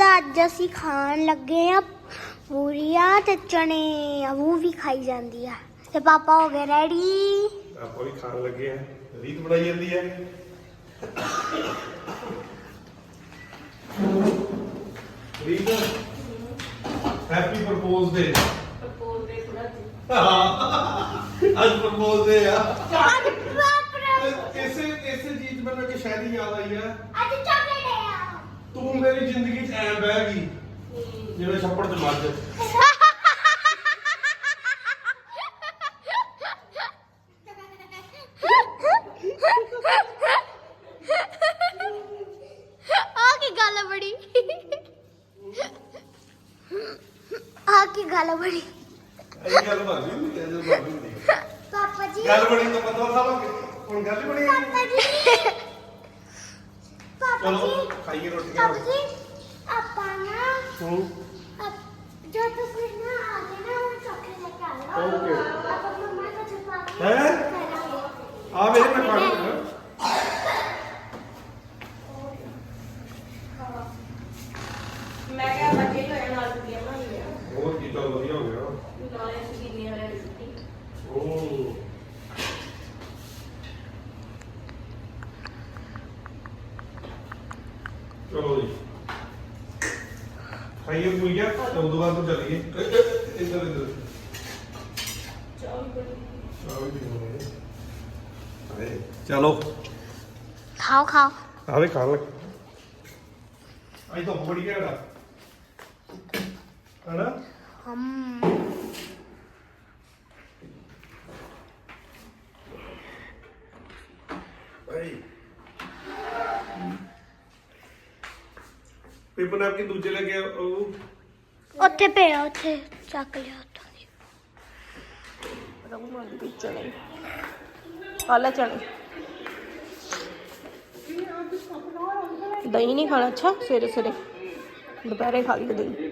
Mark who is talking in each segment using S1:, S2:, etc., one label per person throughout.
S1: ਅੱਜ ਅਸੀਂ ਖਾਣ ਲੱਗੇ ਆ ਪੂਰੀਆਂ ਤੇ ਚਨੇ ਉਹ ਵੀ ਖਾਈ ਜਾਂਦੀ ਆ ਤੇ ਪਾਪਾ ਹੋ ਗਏ ਰੈਡੀ।
S2: ਆਪਾਂ ਵੀ ਖਾਣ ਲੱਗੇ ਆ। ਰੀਤ ਬਣਾਈ ਜਾਂਦੀ ਹੈ। ਰੀਤ ਹੈਪੀ ਪ੍ਰਪੋਜ਼ ਡੇ।
S3: ਪ੍ਰਪੋਜ਼ ਦੇ ਥੋੜਾ
S2: ਅੱਜ ਪ੍ਰਪੋਜ਼ ਡੇ ਆ।
S1: ਅੱਜ
S2: ਇਸੇ ਚੀਜ਼ ਮੈਨੂੰ ਕਿ ਸ਼ਾਇਦ ਹੀ ਯਾਦ ਆਈ ਆ।
S1: ਅੱਜ ਚਾਕਲੇਟ ਆ।
S2: ਤੂੰ ਮੇਰੀ ਜ਼ਿੰਦਗੀ 'ਚ ਐ ਬਹਿ ਗਈ ਜਿਵੇਂ ਛੱਪੜ 'ਚ ਮੱਝ।
S1: ਗੱਲ ਬੜੀ
S2: ਇਹ ਗੱਲ ਬਣੀ ਨਹੀਂ ਇਹ ਗੱਲ ਬਣੀ ਨਹੀਂ।
S1: ਪਾਪਾ ਜੀ
S2: ਗੱਲ ਬਣੀ ਤਾਂ ਪਤਾ ਸਾਲੋਗੇ ਹੁਣ ਗੱਲ ਬਣੀ
S1: ਪਾਪਾ ਜੀ
S2: ਚਲੋ ਖਾਈਏ ਰੋਟੀ।
S1: ਪਾਪਾ ਜੀ ਆਪਾਂ ਨਾ
S2: ਹੂੰ
S1: ਜੋ ਤੁਸੀਂ ਨਾ ਆ ਗਏ ਨਾ ਉਹ ਚਾਕਲੇਟ ਲੈ ਕੇ ਆ ਲਓ।
S2: ਓਕੇ
S1: ਆਪਾਂ ਮੰਮਾ को छुपा के
S2: ਹੈ ਆ ਵੇਖ ਮੈਂ ਖਾ ਲੂੰਗਾ।
S3: ਮੈਂ ਕਿਹਾ ਬੱਚੇ ਹੀ ਹੋਏ ਨਾਲ ਛੁੱਟੀਆਂ ਬਣਾ ਲਈਆਂ
S2: ਹੋਰ ਕੀ ਚੱਲ ਵਧੀਆ ਹੋ ਗਿਆ।
S3: ਨਾਲੇ ਸਕੀਨੀਆਂ ਵਾਲਿਆਂ ਦੀ ਛੁੱਟੀ।
S2: ਓ ਚਲੋ ਜੀ ਖਾਈਏ ਪੂਰੀਆਂ ਤੇ ਉਦੋਂ ਬਾਅਦ ਤੋਂ ਚੱਲੀਏ ਇੱਧਰ ਇੱਧਰ
S3: ਚਾਹ ਵੀ ਬਣੀ।
S2: ਚਾਹ ਵੀ ਪੀਣੀ ਹੈ। ਚਲੋ
S1: खाओ खाओ
S2: ਆਵੇ ਖਾਣ ਲੱਗ ਅੱਜ ਤਾਂ ਬੜੀ ਘੈਂਟ ਆ ਹਨਾ।
S1: हम
S2: ਭਾਈ ਪੇਪਰ ਨੈਪਕਿਨ ਦੂਜੇ ਲੈ ਕੇ ਉਹ
S1: ਉੱਥੇ ਪਿਆ ਉੱਥੇ ਚੱਕ ਲਿਆ ਉੱਥੋਂ ਦੀ।
S3: ਰਘੂ ਮੰਗ ਦੀ ਚਣੇ ਆਲਾ ਚਣੇ। ਦਹੀਂ ਨਹੀਂ ਖਾਣਾ ਅੱਛਾ ਸਵੇਰੇ ਸਵੇਰੇ ਦੁਪਹਿਰੇ ਖਾ ਲਈ ਦਹੀਂ।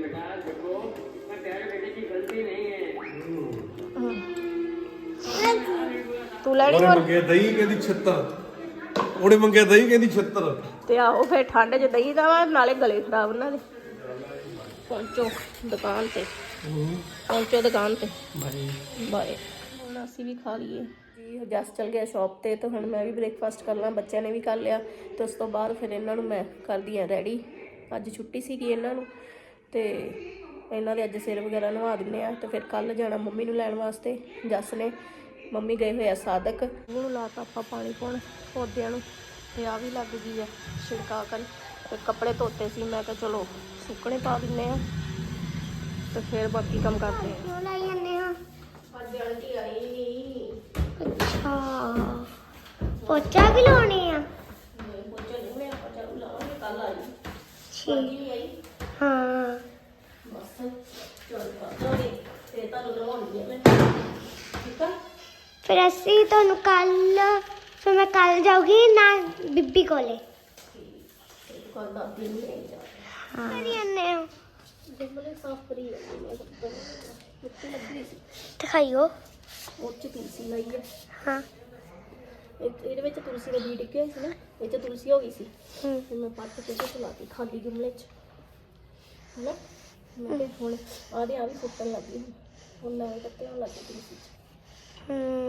S3: ਤੂੰ ਲੈਣੀ
S2: ਉਹਨੇ
S3: ਹੋਰ
S2: ਮੰਗਿਆ ਦਹੀਂ ਕਹਿੰਦੀ 76 ਉਹਨੇ ਮੰਗਿਆ ਦਹੀਂ ਕਹਿੰਦੀ 76
S3: ਤੇ ਆਹੋ ਫਿਰ ਠੰਡ 'ਚ ਦਹੀਂ ਦਾ ਵਾ ਨਾਲੇ ਗਲੇ ਖਰਾਬ ਉਹਨਾਂ ਦੇ। ਪਹੁੰਚੋ ਦੁਕਾਨ ਤੇ ਪਹੁੰਚੋ ਦੁਕਾਨ ਤੇ ਬਾਏ। ਹੁਣ ਅਸੀਂ ਵੀ ਖਾ ਲਈਏ ਜੀ। ਜਸ ਚਲ ਗਿਆ ਸ਼ਾਪ ਤੇ ਤੇ ਹੁਣ ਮੈਂ ਵੀ ਬ੍ਰੇਕਫਾਸਟ ਕਰਨਾ। ਬੱਚਿਆਂ ਨੇ ਵੀ ਕਰ ਲਿਆ ਤੇ ਉਸ ਤੋਂ ਬਾਅਦ ਫਿਰ ਇਹਨਾਂ ਨੂੰ ਮੈਂ ਕਰਦੀ ਆ ਰੈਡੀ। ਅੱਜ ਛੁੱਟੀ ਸੀਗੀ ਇਹਨਾਂ ਨੂੰ ਤੇ ਇਹਨਾਂ ਦੇ ਅੱਜ ਸਿਰ ਵਗੈਰਾ ਨਵਾ ਦਿੰਦੇ ਆ ਤੇ ਫਿਰ ਕੱਲ ਜਾਣਾ ਮੰਮੀ ਨੂੰ ਲੈਣ ਵਾਸਤੇ। ਜਸ ਨੇ ਮੰਮੀ ਗਏ ਹੋਏ ਆ ਸਾਦਕ। ਉਹਨੂੰ ਲਾਤਾ ਆਪਾਂ ਪਾਣੀ ਪਾਉਣ ਪੌਦਿਆਂ ਨੂੰ ਤੇ ਆ ਵੀ ਲੱਗ ਗਈ ਆ ਛਿੜਕਾ ਕਰਨ। ਤੇ ਕੱਪੜੇ ਧੋਤੇ ਸੀ ਮੈਂ ਕਿਹਾ ਚਲੋ ਸੁੱਕਣੇ ਪਾ ਦਿੰਦੇ ਆ ਤੇ ਫਿਰ ਬਾਕੀ ਕੰਮ ਕਰਦੇ ਆ।
S1: ਕਿਉਂ ਲਾਈ ਜਾਂਦੇ ਹੋ?
S3: ਅੱਜ ਆਂਟੀ ਆਈ ਨਹੀਂ।
S1: ਅੱਛਾ ਪੋਚਾ ਵੀ ਲਾਉਣੇ ਆ।
S3: ਪੋਚਾ ਨਹੀਂ ਮੈਂ ਆਪਾਂ ਚਾਲੂ ਲਾਵਾਂਗੇ ਕੱਲ ਆਈ
S1: ਠੀਕ
S3: ਨਹੀਂ ਆਈ
S1: ਹਾਂ
S3: ਬਸ ਚਲ ਪਾਉਂਗੀ ਤੇ ਤੁਹਾਨੂੰ ਲਵਾਉਣੀ ਹੈ ਮੈਂ ਠੀਕ ਆ।
S1: ਫਿਰ ਅਸੀਂ ਤੁਹਾਨੂੰ ਕੱਲ ਫਿਰ ਮੈਂ ਕੱਲ ਜਾਊਗੀ ਨਾ ਬੀਬੀ ਕੋਲੇ।
S3: ਤੇ ਦੁਕਾਨ ਦਾ ਦਿਨ ਲੈ ਜਾ
S1: ਹਾਂ ਕਰੀ ਜਾਂਦੇ ਹੋ
S3: ਜਿੰਮਲੇ ਸਾਫ ਕਰੀ ਜਾਂਦੀ ਮੈਂ ਸਭ ਮਿੱਟੀ ਲੱਗੀ ਸੀ
S1: ਦਿਖਾਈਓ।
S3: ਉਹ ਚ ਤੁਲਸੀ ਲਾਈ ਹੈ।
S1: ਹਾਂ
S3: ਇਹਦੇ ਵਿੱਚ ਤੁਲਸੀ ਦਾ ਬੀਜ ਡਿੱਗਿਆ ਸੀ ਨਾ ਇਹ ਚ ਤੁਲਸੀ ਹੋ ਗਈ ਸੀ
S1: ਹੂੰ
S3: ਤੇ ਮੈਂ ਪੱਟ ਕੇ ਤੇ ਲਾਤੀ ਖਾਲੀ ਜੁਮਲੇ ਚ ਹਨਾ। ਮੈਂ ਕਿਹਾ ਹੁਣ ਆਦੇ ਆ ਵੀ ਫੁੱਟਣ ਲੱਗੀ ਹੁਣ ਨਵੇਂ ਪੱਤੇ ਹੋਣ ਲੱਗੇ ਤੁਲਸੀ ਚ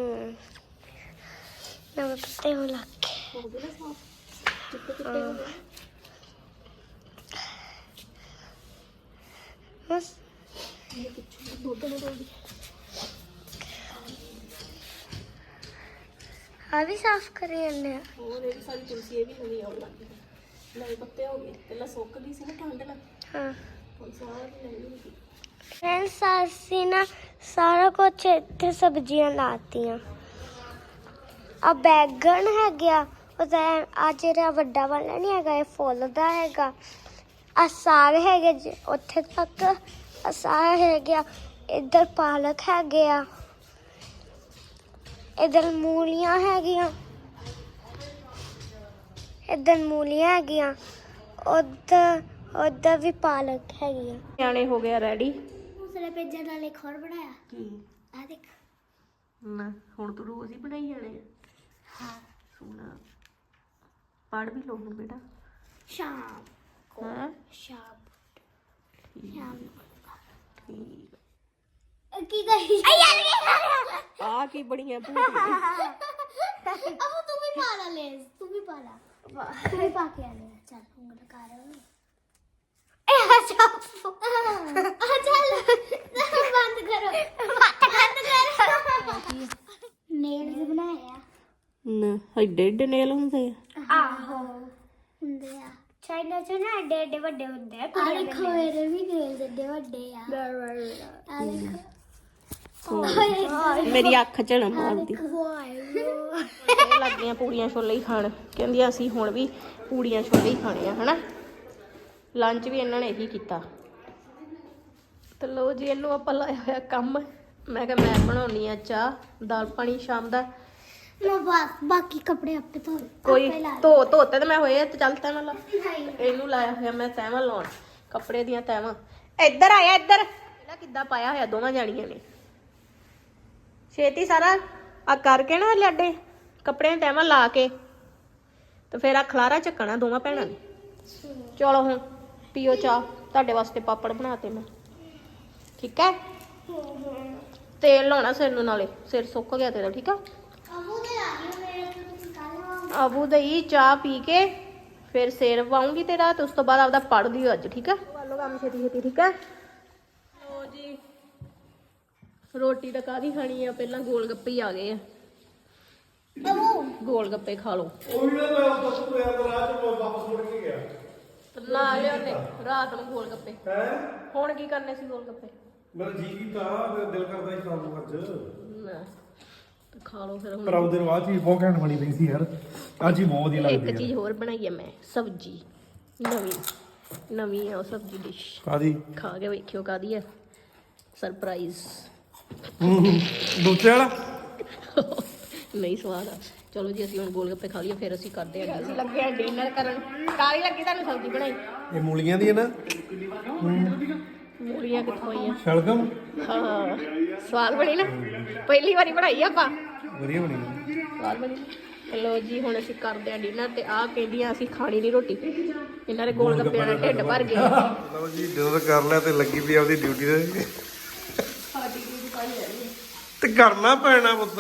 S1: ਨਵੇਂ ਪੱਤੇ ਹੋ ਲੱਗ ਗਏ।
S3: ਹੋ ਗਏ ਨਾ ਸਾਫ ਚਿੱਟੇ ਚਿੱਟੇ ਹੋ ਗਏ।
S1: ਬਸ
S3: ਇਹ ਪਿੱਛੇ ਦੁੱਧ ਨਾ ਡੋਲਦੀ
S1: ਆ ਵੀ ਸਾਫ਼ ਕਰੀ ਜਾਂਦੇ ਆ।
S3: ਹੋਰ ਇਹ ਵੀ ਸਾਰੀ ਤੁਲਸੀ ਇਹ ਵੀ ਨਵੀਂ ਆਉਣ ਲੱਗ ਗਈ। ਨਵੇਂ ਪੱਤੇ ਹੋ ਗਏ ਪਹਿਲਾਂ ਸੁੱਕ ਗਈ ਸੀ ਨਾ ਠੰਡ ਨਾਲ
S1: ਹਾਂ
S3: ਹੁਣ ਸਾਰੀ ਨਵੀਂ ਹੋ ਗਈ।
S1: ਫਰੈਂਡਸ ਅਸੀਂ ਨਾ ਸਾਰਾ ਕੁਝ ਇੱਥੇ ਸਬਜ਼ੀਆਂ ਲਾਤੀਆਂ। ਆ ਬੈਗਣ ਹੈਗਾ ਉਹਦਾ ਆ ਜਿਹੜਾ ਵੱਡਾ ਵਾਲਾ ਨਹੀਂ ਹੈਗਾ ਇਹ ਫੁੱਲ ਦਾ ਹੈਗਾ। ਆ ਸਾਗ ਹੈਗੇ ਜੀ ਉੱਥੇ ਤੱਕ ਆ ਸਾਗ ਹੈਗਾ। ਇੱਧਰ ਪਾਲਕ ਹੈਗੇ ਆ। ਇੱਧਰ ਮੂਲੀਆਂ ਹੈਗੀਆਂ। ਇੱਧਰ ਮੂਲੀਆਂ ਹੈਗੀਆਂ। ਉੱਧਰ ਵੀ ਪਾਲਕ ਹੈਗੀ ਆ।
S3: ਨਿਆਣੇ ਹੋ ਗਿਆ ਰੈਡੀ।
S1: ਦੂਸਰੇ ਪੇਜਾਂ ਨਾਲ ਇੱਕ ਹੋਰ ਬਣਾਇਆ।
S3: ਕੀ
S1: ਆ ਦੇਖ
S3: ਨਾ ਹੁਣ ਤੂੰ ਰੋਜ਼ ਹੀ ਬਣਾਈ ਜਾਣੇ ਆ।
S1: ਹਾਂ
S3: ਸੋਨਾ ਪੜ ਵੀ ਲਓ ਹੁਣ ਬੇਟਾ।
S1: ਸ਼ਾਮ
S3: ਹਾਂ
S1: ਸ਼ਾਮ ਕੀ ਕਹੀ
S3: ਆ ਕੀ ਬੜੀਆਂ ਭੂਤ
S1: ਅਬੂ ਤੂੰ ਵੀ ਪਾ ਲਾ ਲੈ ਤੂੰ ਵੀ ਪਾ ਲਾ ਤੂੰ ਵੀ ਪਾ ਕੇ ਆ ਲੈ ਚੱਲ ਉਂਗਲ ਕਰ ਇਹ ਚੱਲ ਬੰਦ ਕਰੋ ਨੇਲਸ ਬਣਾਇਆ
S3: ਨਾ ਐਡੇ ਐਡੇ ਨੇਲ ਹੁੰਦੇ ਆ
S1: ਆਹੋ ਹੁੰਦੇ ਆ ਚਾਈਨਾ ਚ ਨਾ ਏਡੇ ਏਡੇ ਵੱਡੇ ਹੁੰਦੇ ਆ ਆ ਦੇਖੋ ਮੇਰੇ ਵੀ ਨੇਲਸ ਏਡੇ ਵੱਡੇ ਆ ਆ ਦੇਖੋ
S3: ਮੇਰੀ ਅੱਖ ਝਣ ਮਾਰਦੀ ਇਹ ਲੱਗੀਆਂ ਪੂੜੀਆਂ ਛੋਲੇ ਹੀ ਖਾਣ ਕਹਿੰਦੀ ਅਸੀਂ ਹੁਣ ਵੀ ਪੂੜੀਆਂ ਛੋਲੇ ਹੀ ਖਾਣੇ ਆ ਹਨਾ ਲੰਚ ਵੀ ਇਹਨਾਂ ਨੇ ਇਹੀ ਕੀਤਾ ਤੇ ਲੋ ਜੀ ਇਹਨੂੰ ਆਪਾਂ ਲਾਇਆ ਹੋਇਆ ਕੰਮ ਮੈਂ ਕਿਹਾ ਮੈਂ ਬਣਾਉਣੀ ਆ ਚਾਹ ਦਾਲ ਪਾਣੀ ਸ਼ਾਮ ਦਾ
S1: ਮੈਂ ਬਾਕੀ ਕੱਪੜੇ ਆਪੇ ਧੋ
S3: ਕੋਈ ਧੋਤੇ ਤੇ ਮੈਂ ਹੋਏ ਤੇ ਚੱਲ ਤੈਨੂੰ ਲਾ ਇਹਨੂੰ ਲਾਇਆ ਹੋਇਆ ਮੈਂ ਤੈਵਾਂ ਲਾਉਣ ਕੱਪੜੇ ਦੀਆਂ ਤੈਵਾਂ ਇੱਧਰ ਆਇਆ ਇੱਧਰ ਇਹਦਾ ਕਿੱਦਾਂ ਪਾਇਆ ਹੋਇਆ ਦੋਵਾਂ ਜਾਣੀਆਂ ਨੇ ਛੇਤੀ ਸਾਰਾ ਆ ਕਰਕੇ ਨਾ ਲਾਡੇ ਕੱਪੜੇ ਤੈਵਾਂ ਲਾ ਕੇ ਤੇ ਫਿਰ ਆ ਖਲਾਰਾ ਚੱਕਣਾ ਦੋਵਾਂ ਭੈਣਾਂ ਨੇ ਚਲੋ ਹੁਣ ਪੀਓ ਚਾਹ ਤੁਹਾਡੇ ਵਾਸਤੇ ਪਾਪੜ ਬਣਾਤੇ ਮੈਂ ਠੀਕ ਹੈ ਤੇਲ ਲਾਉਣਾ ਸਿਰ ਨੂੰ ਨਾਲੇ ਸਿਰ ਸੁੱਕ ਗਿਆ ਤੇਰਾ ਠੀਕ ਆ ਅਬੂ ਦਈ ਚਾਹ ਪੀ ਕੇ ਫਿਰ ਸਿਰ ਵਾਉਂਗੀ ਤੇਰਾ ਤੇ ਉਸ ਤੋਂ ਬਾਅਦ ਆਪਦਾ ਪੜ ਦਿਓ ਅੱਜ ਠੀਕ ਆ ਵਾਲੋ ਕੰਮ ਛੇਤੀ ਛੇਤੀ ਠੀਕ ਆ ਲੋ ਜੀ ਰੋਟੀ ਤਾਂ ਕਾਹਦੀ ਖਾਣੀ ਆ ਪਹਿਲਾਂ ਗੋਲ ਗੱਪੇ ਹੀ ਆ ਗਏ ਆ ਗੋਲ ਗੱਪੇ ਖਾ ਲਓ
S2: ਉਹ ਵੀ ਨਾ ਮੈਂ ਉਸ ਤੋਂ ਯਾਰ ਰਾਤ ਨੂੰ ਵਾਪਸ ਮੁੜ ਕੇ ਗਿਆ
S3: ਨਾ ਲਿਆਉਣੇ ਰਾਤ ਨੂੰ ਗੋਲ ਗੱਪੇ
S2: ਹੈ
S3: ਹੁਣ ਕੀ ਕਰਨੇ ਸੀ ਗੋਲ ਗੱਪੇ
S2: ਮੇਰਾ ਜੀ ਕੀਤਾ ਮੇਰਾ ਦਿਲ ਕਰਦਾ ਹੀ ਖਾਣ ਨੂੰ ਅੱਜ
S3: ਨਾ ਤੇ ਖਾ ਲਓ ਫਿਰ
S2: ਪਰ
S3: ਹੁਣ
S2: ਉਹਦੇ ਨੂੰ ਆ ਚੀਜ਼ ਬਹੁਤ ਘੈਂਟ ਬਣੀ ਪਈ ਸੀ ਯਾਰ ਅੱਜ ਹੀ ਬਹੁਤ ਵਧੀਆ ਲੱਗਦੀ
S3: ਇੱਕ ਚੀਜ਼ ਹੋਰ ਬਣਾਈ ਆ ਮੈਂ ਸਬਜੀ ਨਵੀਂ ਆ ਉਹ ਸਬਜੀ ਡਿਸ਼
S2: ਕਾਦੀ
S3: ਖਾ ਕੇ ਵੇਖਿਓ ਕਾਦੀ ਆ ਸਰਪ੍ਰਾਈਜ਼
S2: ਦੂਸਰੇ ਵਾਲਾ
S3: ਨਹੀਂ ਸਵਾਦ ਆ ਚਲੋ ਜੀ ਅਸੀਂ ਹੁਣ ਗੋਲ ਗੱਪੇ ਖਾ ਲਈਏ ਫਿਰ ਅਸੀਂ ਕਰਦੇ ਹਾਂ ਅਸੀਂ ਲੱਗੇ ਆ ਡਿਨਰ ਕਰਨ ਕਾਲੀ ਲੱਗੀ ਤੁਹਾਨੂੰ ਸਬਜ਼ੀ ਬਣਾਈ
S2: ਇਹ ਮੂਲੀਆਂ ਦੀ ਹੈ ਨਾ
S3: ਮੂਲੀਆਂ ਕਿੱਥੋਂ ਆਈਆਂ
S2: ਸ਼ਲਗਮ
S3: ਹਾਂ ਸਵਾਦ ਬਣੀ ਨਾ ਪਹਿਲੀ ਵਾਰੀ ਬਣਾਈ ਆਪਾਂ
S2: ਵਧੀਆ ਬਣੀ
S3: ਸਵਾਦ ਬਣੀ ਚਲੋ ਜੀ ਹੁਣ ਅਸੀਂ ਕਰਦੇ ਆ ਡਿਨਰ ਤੇ ਆਹ ਕਹਿੰਦੀਆਂ ਅਸੀਂ ਖਾਣੀ ਨਹੀਂ ਰੋਟੀ ਇਹਨਾਂ ਦੇ ਗੋਲ ਗੱਪਿਆਂ ਨਾਲ ਢਿੱਡ ਭਰ ਗਿਆ
S2: ਲਓ ਜੀ ਡਿਨਰ ਕਰ ਲਿਆ ਤੇ ਲੱਗੀ ਪਈ ਆਪਦੀ ਡਿਊਟੀ ਤੇ ਤੇ ਕਰਨਾ ਪੈਣਾ ਪੁੱਤ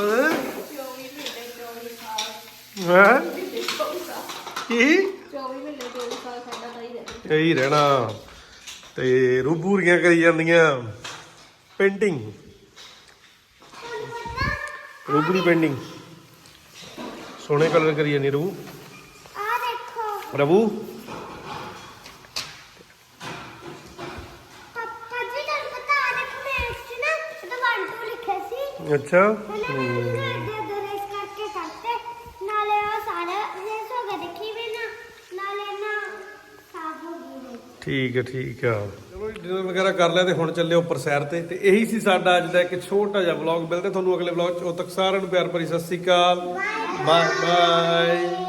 S2: ਹਾਂ ਕੀ
S3: 24 ਮਹੀਨੇ 24 ਸਾਲ ਸਾਡਾ ਤਾਂ ਹੀ ਰਹਿਣਾ
S2: ਇਹੀ ਰਹਿਣਾ ਤੇ ਰੂਬੂਰੀਆਂ ਕਰੀ ਜਾਂਦੀਆਂ ਪੇਂਟਿੰਗ ਰੂਬਰੀ ਪੇਂਟਿੰਗ ਸੋਹਣੇ ਕਲਰ ਕਰੀ ਜਾਂਦੀ ਰੂ
S1: ਆ ਦੇਖੋ
S2: ਰਬੂ
S1: ਪਾਪਾ ਜੀ ਤੁਹਾਨੂੰ ਪਤਾ ਆ ਦੇਖੋ ਮੈਂ ਇਸ ਨਾ ਇਹਦਾ 1 2 ਲਿਖਿਆ ਸੀ
S2: ਅੱਛਾ
S1: ਰੇਸ ਕਰਕੇ ਕਰਤੇ ਨਾਲੇ ਉਹ ਸਾਰਾ ਰੇਸ ਹੋ ਗਿਆ ਦੇਖੀ ਵੀ ਨਾ ਨਾਲੇ ਨਾ ਸਾਫ ਹੋ ਗਈ
S2: ਠੀਕ ਹੈ ਚਲੋ ਡਿਨਰ ਵਗੈਰਾ ਕਰ ਲਿਆ ਤੇ ਹੁਣ ਚੱਲੇ ਉੱਪਰ ਸੈਰ ਤੇ ਇਹੀ ਸੀ ਸਾਡਾ ਅੱਜ ਦਾ ਇੱਕ ਛੋਟਾ ਜਿਹਾ ਵਲੌਗ ਮਿਲਦੇ ਤੁਹਾਨੂੰ ਅਗਲੇ ਵਲੌਗ 'ਚ ਉਦੋਂ ਤੱਕ ਸਾਰਿਆਂ ਨੂੰ ਪਿਆਰ ਭਰੀ ਸਤਿ ਸ਼੍ਰੀ ਅਕਾਲ ਬਾਏ ਬਾਏ